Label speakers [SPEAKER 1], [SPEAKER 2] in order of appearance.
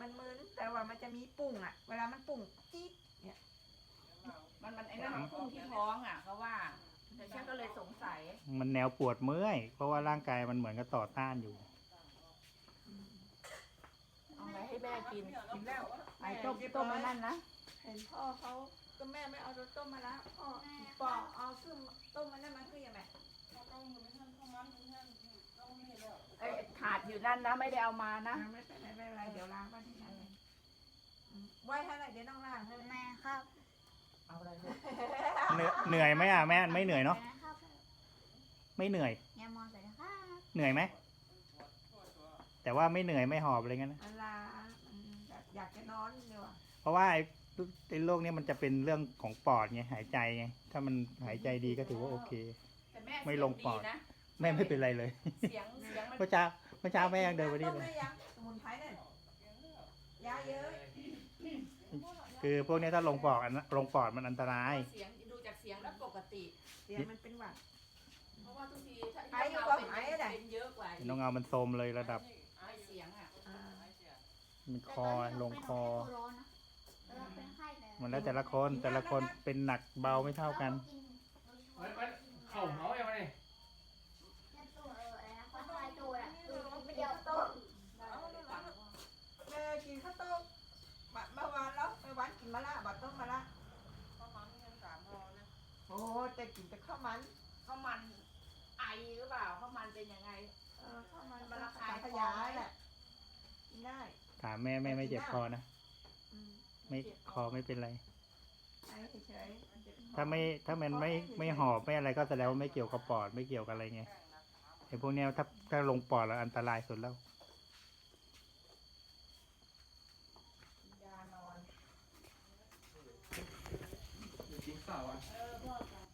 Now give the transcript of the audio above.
[SPEAKER 1] มันมึนแต่ว่ามันจะมีปุ่งอ่ะเวลามันปุ่งจี๊ดเนี่ย
[SPEAKER 2] มันไอ้นั่นพุ่งที่ท้องอ่ะเขาว่าแต่ฉันก็เลยสงสัย
[SPEAKER 3] มันแนวปวดเมื่อยเพราะว่าร่างกายมันเหมือนกับต่อต้านอยู่
[SPEAKER 2] เอาไปให้แม่กิน
[SPEAKER 1] กินแล้ว
[SPEAKER 2] ไอ้ต้มไอ้นั่นนะ
[SPEAKER 1] เห็นพ่อเขาก็แม่ไม่เอารสต้มมาแล้วพ่อปอกเอาซึ่งต้มมันนั่นมาคือยังไง
[SPEAKER 2] ไอ้ขาดอยู่นั่นนะไม่ได้เอามานะ
[SPEAKER 1] ไม่เป็นไรไม่เป็นไรเดี๋ยวล้างบ้านที่ไหนไว้เท่าไหร่เดี๋ยวต้องล้างให้
[SPEAKER 4] แม่ครับ
[SPEAKER 2] เอาอะไร
[SPEAKER 3] เหนื่อยไหมอ่ะแม่ไม่เหนื่อยเนาะ
[SPEAKER 4] นะครับ
[SPEAKER 3] ไม่เหนื่อย
[SPEAKER 4] ยามองใส่นะครับ
[SPEAKER 3] เหนื่อยไหมแต่ว่าไม่เหนื่อยไม่หอบอะไรเงี้ยนะ
[SPEAKER 1] ล้างอยากจะนอนดีกว่า
[SPEAKER 3] เพราะว่าไอ้โรคนี้มันจะเป็นเรื่องของปอดไงหายใจไงถ้ามันหายใจดีก็ถือว่าโอเค
[SPEAKER 2] แต่แม่
[SPEAKER 3] ไม่ลงปอด
[SPEAKER 2] เสียดีนะ
[SPEAKER 3] แม่ไม่เป็นไรเลย
[SPEAKER 2] เสียงมัน
[SPEAKER 3] เมื่อเช้าแม่ยังเดินไปนี่
[SPEAKER 1] ต้ม
[SPEAKER 3] เลย
[SPEAKER 1] ได้ยังสมุนไพรเนี่ยยาเยอะ
[SPEAKER 3] คือพวกนี้ถ้าลงปอดลงปอดมันอันตราย
[SPEAKER 2] เสียงดูจากเสียงแล้วปกติ
[SPEAKER 1] เสียงมันเป็นหวัด
[SPEAKER 2] เพราะว่าทุกทีถ้า
[SPEAKER 1] ไอ้อยู่กับ
[SPEAKER 2] เป็น
[SPEAKER 1] ไอ้อะ
[SPEAKER 2] เป็นเยอะกว่า
[SPEAKER 3] น้องเงามันโทรมเลยระดับ
[SPEAKER 2] ไอ้เสียงอ่ะ
[SPEAKER 3] มันคอลงคอ
[SPEAKER 4] แต่ตอนนี้เราเป็นไข้เลย
[SPEAKER 3] มันแล้วแต่ละคนเป็นหนักเบาไม่เท่ากัน
[SPEAKER 5] มันเข่าเมาอย่างไร
[SPEAKER 4] ตัวอะไรนะควายตัวอ่ะไม่เดียวโต
[SPEAKER 1] แม่กินข้าวต้มเมื่อวานแล้วเมื่อวานกินมะระบัดต้มมะระโอ้แต่กินแต่ข้าวมัน
[SPEAKER 2] ข้าวมันไอหรือเปล่าข้าวมันเป็นยังไง
[SPEAKER 1] ข้าวมันมันราคาขยายแหละกินได้
[SPEAKER 3] ถามแม่ไม่เจ็บคอนะไม่คอไม่เป็นไร
[SPEAKER 1] ไอ้เฉย
[SPEAKER 3] ถ้ามันไม่หอบไม่อะไรก็แสดงว่าไม่เกี่ยวกับปอดไม่เกี่ยวกับอะไรไงไอ้พวกเนี้ยถ้าลงปอดแล้วอันตรายสุดแล้ว
[SPEAKER 1] ยานอน
[SPEAKER 5] กินข้าวอ่ะ
[SPEAKER 2] พ่อ